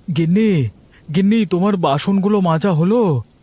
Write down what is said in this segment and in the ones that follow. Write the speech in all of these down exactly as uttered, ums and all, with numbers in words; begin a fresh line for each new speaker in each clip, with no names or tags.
গিন্নি, গিন্নি, তোমার বাসনগুলো মাজা হলো?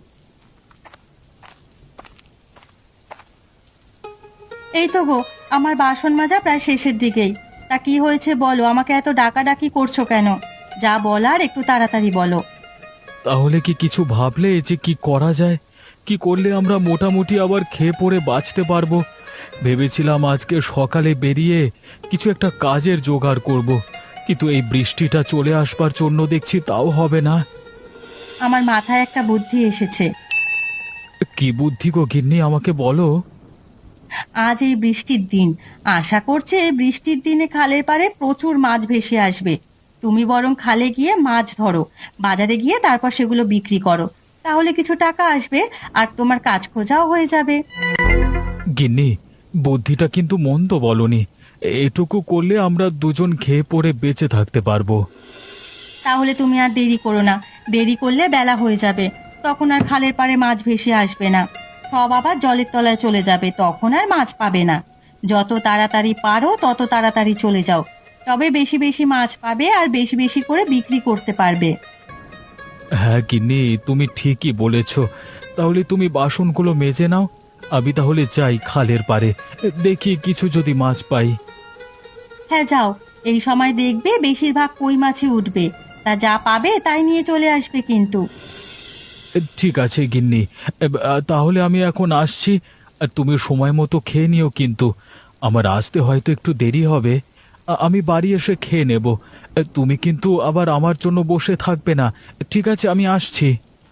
এই তো গো, আমার বাসন মাজা প্রায় শেষের দিকেই। তা কি হয়েছে বলো, আমাকে এত ডাকাডাকি করছো কেন? যা বলার একটু তাড়াতাড়ি বলো।
তাহলে কি কিছু ভাবলে যে কি করা যায়? কি করলে আমরা মোটামুটি আবার খেয়ে পড়ে বাঁচতে পারবো? ভেবেছিলাম আজকে সকালে বেরিয়ে কিছু একটা কাজের জোগাড় করব, কিন্তু এই বৃষ্টিটা চলে আসবার জন্য দেখছি তাও হবে না।
আমার মাথায় একটা বুদ্ধি এসেছে।
কি বুদ্ধি গো গিন্নি, আমাকে বলো।
আজ এই বৃষ্টির দিন, আশা করছে এই বৃষ্টির দিনে খালের পাড়ে প্রচুর মাছ ভেসে আসবে। তুমি বরং খালে গিয়ে মাছ ধরো, বাজারে গিয়ে তারপর সেগুলো বিক্রি করো। তাহলে কিছু টাকা আসবে, আর তোমার কাজ খোঁজাও হয়ে যাবে।
গিন্নি, বুদ্ধিটা কিন্তু মন্দ বলনি। এটুকু করলে আমরা দুজন খেয়ে পড়ে বেঁচে থাকতে পারবো।
তাহলে তুমি আর দেরি করো না। দেরি করলে বেলা হয়ে যাবে, তখন আর খালের পাড়ে মাছ ভেসে আসবে না। সব আবার জলের তলায় চলে যাবে, তখন আর মাছ পাবে না। যত তাড়াতাড়ি পারো তত তাড়াতাড়ি চলে যাও, তবে বেশি বেশি মাছ পাবে আর বেশি বেশি করে বিক্রি করতে পারবে।
হ্যাঁ গিন্নি, তুমি ঠিকই বলেছ। তাহলে তুমি বাসনগুলো মেজে নাও, আমি তাহলে যাই খালের পাড়ে, দেখি কিছু যদি মাছ পাই।
হ্যাঁ যাও, এই সময় দেখবে বেশিরভাগ কই মাছই উঠবে। তা যা পাবে তাই নিয়ে চলে আসবে কিন্তু।
ঠিক আছে গিন্নি, তাহলে আমি এখন আসছি। আর তুমি সময় মতো খেয়ে নিও কিন্তু, আমার আসতে হয়তো একটু দেরি হবে। আ- আমি বাড়ি এসে খেয়ে নেব। তুমি কিন্তু আবার আমার জন্য বসে থাকবে না। ঠিক আছে, আমি আসছি।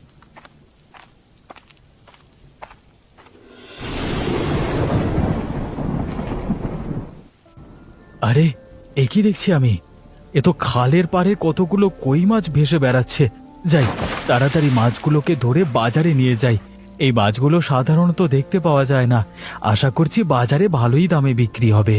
আরে, এ কি দেখছি আমি? এ তো খালের পাড়ে কতগুলো কই মাছ ভেসে বেড়াচ্ছে। যাই, তাড়াতাড়ি মাছগুলোকে ধরে বাজারে নিয়ে যাই। এই মাছগুলো সাধারণত দেখতে পাওয়া যায় না। আশা করছি বাজারে ভালোই দামে বিক্রি হবে।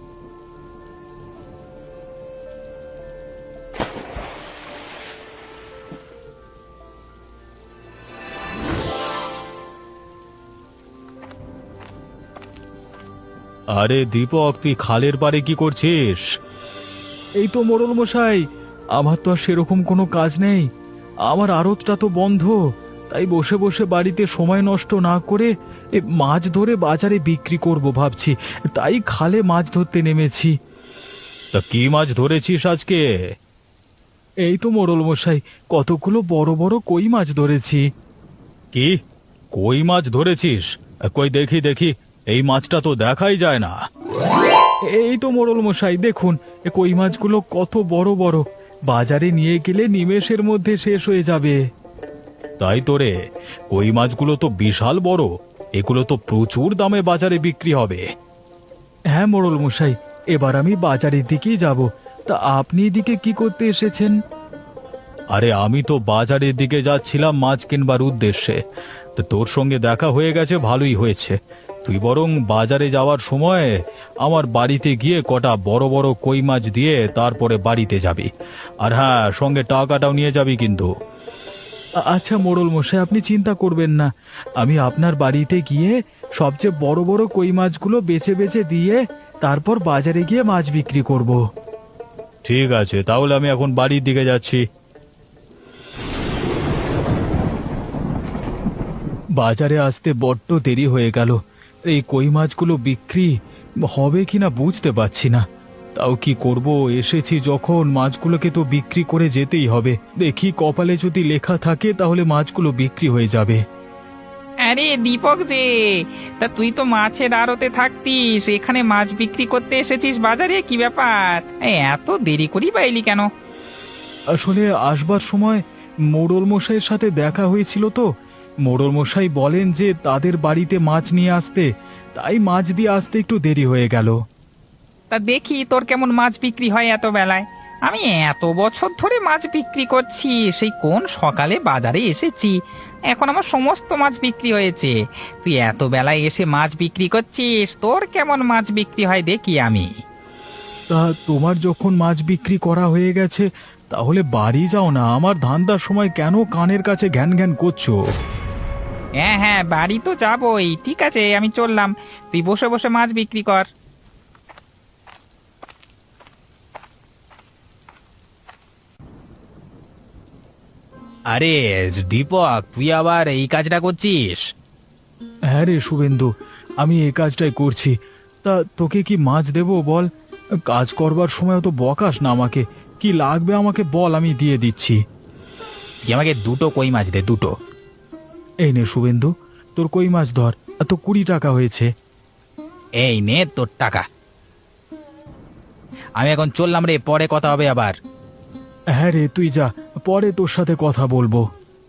আরে দীপক, তুই খালের পাড়ে কি করছিস? এই তো মোড়ল মশাই, আমার তো আর সেরকম কোনো কাজ নেই। আমার আড়তটা তো বন্ধ, তাই বসে বসে বাড়িতে সময় নষ্ট না করে এ মাছ ধরে বাজারে বিক্রি করব ভাবছি, তাই খালে মাছ ধরতে নেমেছি। তা কি মাছ ধরেছিস আজকে? এই তো মোড়ল মশাই, কতগুলো বড় বড় কই মাছ ধরেছি। কি, কই মাছ ধরেছিস? কই দেখি দেখি, এই মাছটা তো দেখাই যায় না। এই তো মোড়ল মশাই, দেখুন, এ কই মাছগুলো কত বড় বড়, বাজারে নিয়ে গেলে নিমেষের মধ্যে শেষ হয়ে যাবে। তাই তো রে, কই মাছগুলো তো বিশাল বড়, এগুলো তো প্রচুর দামে বাজারে বিক্রি হবে। হ্যাঁ মোড়ল মশাই, এবার আমি বাজারের দিকেই যাব। তা আপনি এদিকে কি করতে এসেছেন? আরে আমি তো বাজারের দিকে যাচ্ছিলাম মাছ কিনবার উদ্দেশ্যে। তো তোর সঙ্গে দেখা হয়ে গেছে, ভালোই হয়েছে। তুই বরং বাজারে যাওয়ার সময় আমার বাড়িতে গিয়ে কটা বড় বড় কই মাছ দিয়ে তারপরে বাড়িতে যাবি। আর হ্যাঁ, সঙ্গে টাকাটাও নিয়ে যাবি কিন্তু। আ- আচ্ছা মোড়ল মশাই, আপনি চিন্তা করবেন না। আমি আপনার বাড়িতে গিয়ে সবচেয়ে বড় বড় কই মাছগুলো বেছে বেছে দিয়ে তারপর বাজারে গিয়ে মাছ বিক্রি করব। ঠিক আছে, তাহলে আমি এখন বাড়ির দিকে যাচ্ছি। বাজারে আসতে বড্ড দেরি হয়ে গেল। এই কই মাছগুলো বিক্রি হবে কিনা বুঝতে পারছি না। তাও কি করব, এসেছি যখন, মাছগুলোকে তো বিক্রি করে যেতেই হবে। দেখি কপালে যদি লেখা থাকে তাহলে মাছগুলো বিক্রি হয়ে যাবে।
আরে দীপক যে, তা তুই তো মাছের আড়তে থাকতিস, এখানে মাছ বিক্রি করতে এসেছিস বাজারে, কি ব্যাপার? এই এত দেরি করি বা এলি কেন?
আসলে আসবার সময় মোড়ল মশাইয়ের সাথে দেখা হয়েছিল তো। মোড়ল মশাই বলেন যে তাদের বাড়িতে মাছ নিয়ে আসতে, তাই মাছ দিয়ে আসতে একটু দেরি হয়ে গেল।
তা দেখি তোর কেমন মাছ বিক্রি হয় এত বেলায়। আমি এত বছর ধরে মাছ বিক্রি করছি, সেই কোন সকালে বাজারে এসেছি, এখন আমার সমস্ত মাছ বিক্রি হয়েছে। তুই এত বেলায় এসে মাছ বিক্রি করছিস, তোর কেমন মাছ বিক্রি হয় দেখি আমি।
তা তোমার যখন মাছ বিক্রি করা হয়ে গেছে, তাহলে বাড়ি যাও না। আমার ধান্দার সময় কেন কানের কাছে ঘ্যান ঘ্যান করছো?
হ্যাঁ হ্যাঁ, বাড়ি তো যাবই, ঠিক আছে আমি চললাম, তুই বসে বসে মাছ বিক্রি কর। আরে দীপক, তুই আবার এই কাজটা করছিস?
হ্যাঁ রে শুভেন্দু, আমি এই কাজটাই করছি। তা তোকে কি মাছ দেবো বল? কাজ করবার সময় তো বকাস না আমাকে। কি লাগবে আমাকে বল, আমি দিয়ে দিচ্ছি।
তুই আমাকে দুটো কই মাছ দে, দুটো।
এই নে শুভেন্দু, তোর কই মাছ ধর। আর তো কুড়ি টাকা হয়েছে।
এই নে তোর টাকা। আমি এখন চললাম রে, পরে কথা হবে আবার।
হ্যাঁ রে, তুই যা, পরে তোর সাথে কথা বলবো।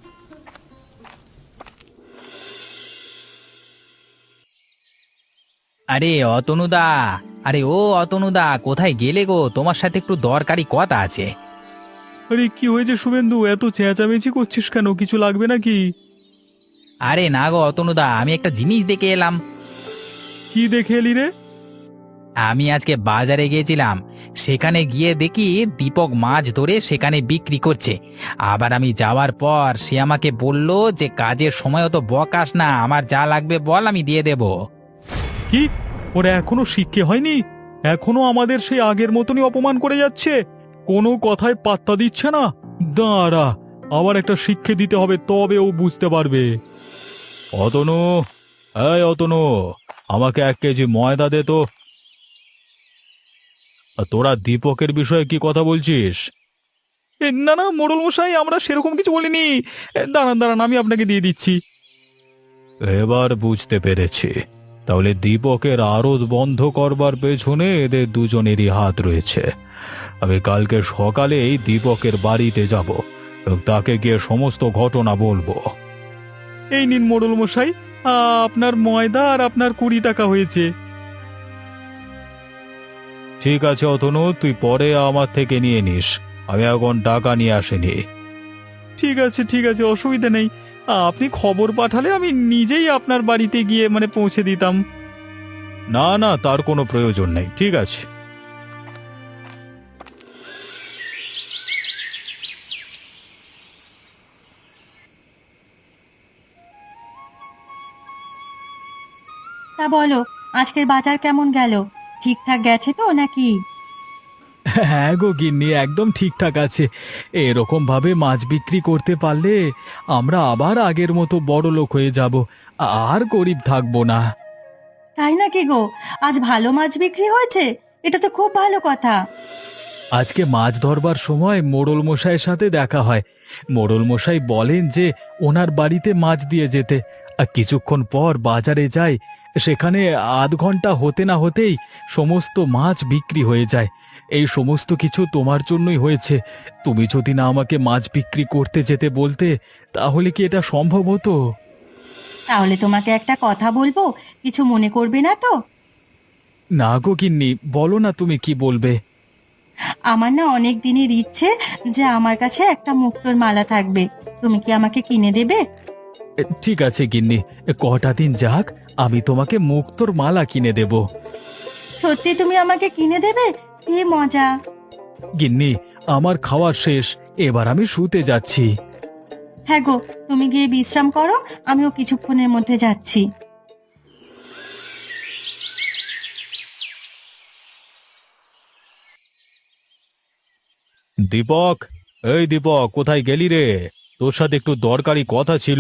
আরে অতনুদা, আরে ও অতনুদা, কোথায় গেলে গো? তোমার সাথে একটু দরকারি কথা আছে।
আরে কি হয়েছে শুভেন্দু, এত চেঁচামেচি করছিস কেন? কিছু লাগবে নাকি?
আরে না গো অতনুদা, আমি একটা জিনিস দেখে এলাম।
কি দেখে এলি রে?
আমি আজকে বাজারে গিয়েছিলাম, সেখানে গিয়ে দেখি দীপক মাছ ধরে সেখানে বিক্রি করছে। আবার আমি যাওয়ার পর সে আমাকে বলল যে কাজের সময় তো বকাস না, আমার যা লাগবে বল, আমি দিয়ে দেব।
কি, ওরা এখনো শিক্ষে হয়নি? এখনো আমাদের সেই আগের মতনই অপমান করে যাচ্ছে, কোনো কথায় পাত্তা দিচ্ছে না। দাঁড়া, আবার একটা শিক্ষে দিতে হবে, তবে ও বুঝতে পারবে। অতনু, এই অতনু, আমাকে এক কেজি ময়দা দে তো। আর তোরা দীপকের বিষয়ে কি কথা বলছিস? এ, না না মোড়ল মশাই, আমরা সেরকম কিছু বলিনি। এ, দাঁড়ান দাঁড়ান, আমি আপনাকে দিয়ে দিচ্ছি। এবার বুঝতে পেরেছি, তাহলে দীপকের আড়ত বন্ধ করবার পেছনে এদের দুজনেরই হাত রয়েছে। আমি কালকে সকালেই দীপকের বাড়িতে যাব এবং তাকে গিয়ে সমস্ত ঘটনা বলবো। এই নিন মোড়ল মশাই, আপনার ময়দা আর আপনার কুড়ি টাকা হয়েছে। ঠিক আছে অতনু, তুই পরে আমার থেকে নিয়ে নিস, আমি এখন টাকা নিয়ে আসিনি। ঠিক আছে ঠিক আছে, অসুবিধা নেই। আপনি খবর পাঠালে আমি নিজেই আপনার বাড়িতে গিয়ে মানে পৌঁছে দিতাম। না না, তার কোনো প্রয়োজন নেই, ঠিক আছে।
তা বলো, আজকের বাজার কেমন গেল? ঠিকঠাক গেছে তো নাকি?
হ্যাঁ গো গিন্নি, একদম ঠিকঠাক আছে। এরকম ভাবে মাছ বিক্রি করতে পারলে আমরা আবার আগের মতো বড় লোক হয়ে যাব, আর গরিব থাকবো না।
তাই নাকি গো? আজ ভালো মাছ বিক্রি হয়েছে? এটা তো খুব ভালো কথা।
আজকে মাছ ধরবার সময় মোড়ল মশাইয়ের সাথে দেখা হয়। মোড়ল মশাই বলেন যে ওনার বাড়িতে মাছ দিয়ে যেতে। আর কিছুক্ষণ পর বাজারে যাই, সেখানে আধ ঘন্টা হতে না হতেই সমস্ত মাছ বিক্রি হয়ে যায়। এই সমস্ত কিছু তোমার জন্যই হয়েছে। তুমি যদি না আমাকে মাছ বিক্রি করতে যেতে বলতে, তাহলে কি এটা সম্ভব হতো?
তাহলে তোমাকে একটা কথা বলবো, কিছু মনে করবে না তো?
না গো গিন্নি, বলো না, তুমি কি বলবে?
আমার না অনেক দিনের ইচ্ছে যে আমার কাছে একটা মুক্তোর মালা থাকবে। তুমি কি আমাকে কিনে দেবে?
এ, ঠিক আছে গিন্নি, এ, কটা দিন যাক, আমি তোমাকে মুক্তোর মালা কিনে দেব।
সত্যি তুমি আমাকে কিনে দেবে? কি মজা!
গিন্নি, আমার খাওয়া শেষ, এবার আমি শুতে যাচ্ছি।
হ্যাঁ গো, তুমি গিয়ে বিশ্রাম করো, আমিও কিছুক্ষণের মধ্যে যাচ্ছি।
দীপক, এই দীপক, কোথায় গেলি রে? তোর সাথে একটু দরকারি কথা ছিল।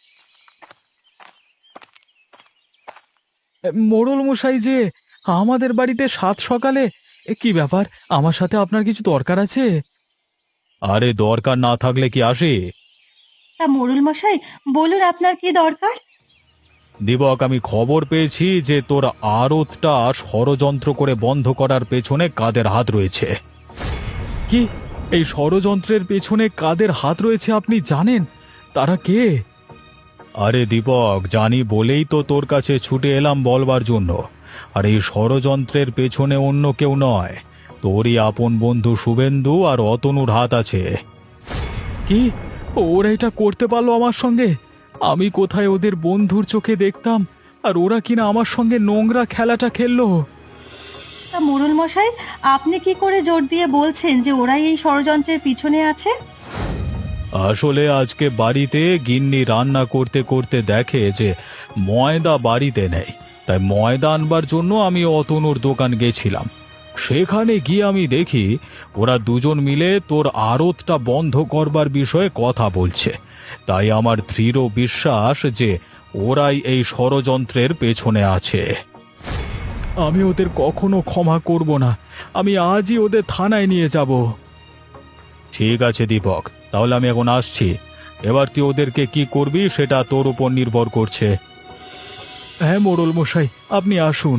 এ, মোড়ল মশাই যে, আমাদের বাড়িতে সাত সকালে, এ, কি ব্যাপার? আমার সাথে আপনার কিছু দরকার আছে? আরে দরকার না থাকলে কি আসে?
তা মোড়ল মশাই, বলুন আপনার কি দরকার?
দীপক, আমি খবর পেয়েছি যে তোর আড়তটা ষড়যন্ত্র করে বন্ধ করার পেছনে কাদের হাত রয়েছে। কি, এই ষড়যন্ত্রের পেছনে কাদের হাত রয়েছে আপনি জানেন? তারা কে? আরে দীপক, জানি বলেই তো তোর কাছে ছুটে এলাম বলবার জন্য। আর এই ষড়যন্ত্রের পেছনে অন্য কেউ নয়, তোরই আপন বন্ধু শুভেন্দু আর অতনুর হাত আছে। কি, ওরা এটা করতে পারলো আমার সঙ্গে? আমি কোথায় ওদের বন্ধুর চোখে দেখতাম, আর ওরা কিনা আমার সঙ্গে নোংরা খেলাটা খেললো।
তা মোড়ল মশাই, আপনি কি করে জোর দিয়ে বলছেন যে ওরাই এই ষড়যন্ত্রের পিছনে আছে?
আসলে আজকে বাড়িতে গিন্নি রান্না করতে করতে দেখে যে ময়দা বাড়িতে নেই, তাই ময়দা আনবার জন্য আমি অতনুর দোকান গেছিলাম। সেখানে গিয়ে আমি দেখি ওরা দুজন মিলে তোর আড়তটা বন্ধ করবার বিষয়ে কথা বলছে। তাই আমার দৃঢ় বিশ্বাস যে ওরাই এই ষড়যন্ত্রের পেছনে আছে। আমি ওদের কখনো ক্ষমা করব না। আমি আজই ওদের থানায় নিয়ে যাব। ঠিক আছে দীপক, তাহলে আমি এখন আসছি। এবার তুই ওদেরকে কি করবি সেটা তোর উপর নির্ভর করছে। হ্যাঁ মোড়ল মশাই, আপনি আসুন।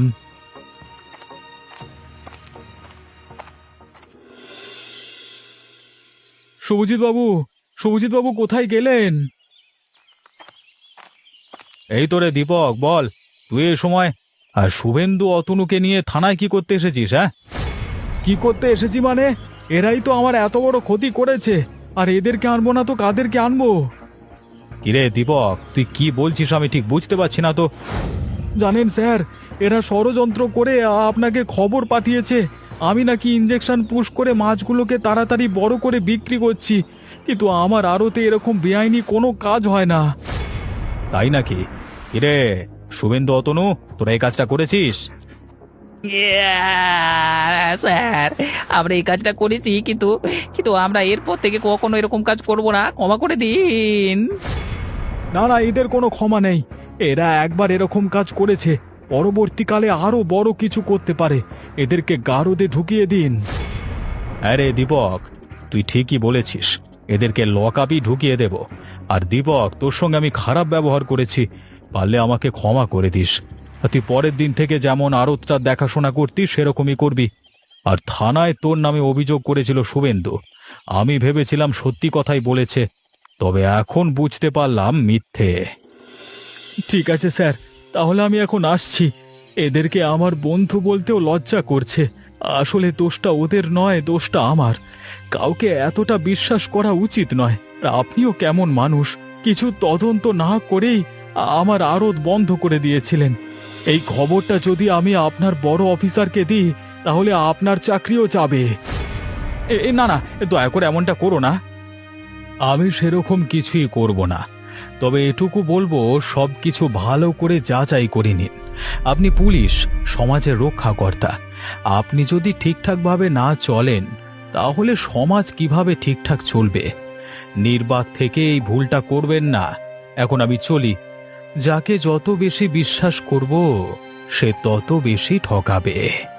শুভজিৎ বাবু, শুভজিৎ বাবু কোথায় গেলেন? এই তোরে দীপক, বল তুই এই সময় আর শুভেন্দু অতনুকে নিয়ে থানায় কি করতে এসেছিস? হ্যাঁ, কি করতে এসেছি মানে? এরাই তো আমার এত বড় ক্ষতি করেছে, আর এদেরকে আনবো না তো কাদেরকে আনবো? কিরে দীপক, তুই কি বলছিস আমি ঠিক বুঝতে পারছি না তো। জানেন স্যার, এরা ষড়যন্ত্র করে আপনাকে খবর পাঠিয়েছে আমি নাকি ইঞ্জেকশন পুশ করে মাছগুলোকে তাড়াতাড়ি বড় করে বিক্রি করছি, কিন্তু আমার আড়তে এরকম বেআইনি কোনো কাজ হয় না। তাই নাকি? কিরে শুভেন্দু অতনু, তোরা এই কাজটা করেছিস?
স্যার, আমরা এই কাজটা করেছি, কিন্তু কিন্তু আমরা এরপর থেকে কখনো এরকম কাজ করব না, ক্ষমা করে দিন।
না না, এদের কোনো ক্ষমা নেই। এরা একবার এরকম কাজ করেছে, পরবর্তীকালে আরো বড় কিছু করতে পারে। এদেরকে গারদে ঢুকিয়ে দিন। আরে দীপক, তুই ঠিকই বলেছিস, এদেরকে লকআপই ঢুকিয়ে দেব। আর দীপক, তোর সঙ্গে আমি খারাপ ব্যবহার করেছি, পারলে আমাকে ক্ষমা করে দিস। আর তুই পরের দিন থেকে যেমন আড়তটা দেখাশোনা করতি সেরকমই করবি। আর থানায় তোর নামে অভিযোগ করেছিল শুভেন্দু, আমি ভেবেছিলাম সত্যি কথাই বলেছে, তবে এখন বুঝতে পারলাম মিথ্যে। ঠিক আছে স্যার, তাহলে আমি এখন আসছি। এদেরকে আমার বন্ধু বলতেও লজ্জা করছে। আসলে দোষটা ওদের নয়, দোষটা আমার। কাউকে এতটা বিশ্বাস করা উচিত নয়। আর আপনিও কেমন মানুষ, কিছু তদন্ত না করেই আমার আড়ত বন্ধ করে দিয়েছিলেন। এই খবরটা যদি আমি আপনার বড় অফিসারকে দিই তাহলে আপনার চাকরিও যাবে। এ এ, না না, দয়া করে এমনটা করো না। আমি সেরকম কিছুই করব না, তবে এটুকু বলবো সব কিছু ভালো করে যাচাই করে নিন। আপনি পুলিশ, সমাজের রক্ষাকর্তা। আপনি যদি ঠিকঠাকভাবে না চলেন তাহলে সমাজ কিভাবে ঠিকঠাক চলবে? নির্বাক থেকে এই ভুলটা করবেন না। এখন আমি চলি। যাকে যত বেশি বিশ্বাস করব সে তত বেশি ঠকাবে।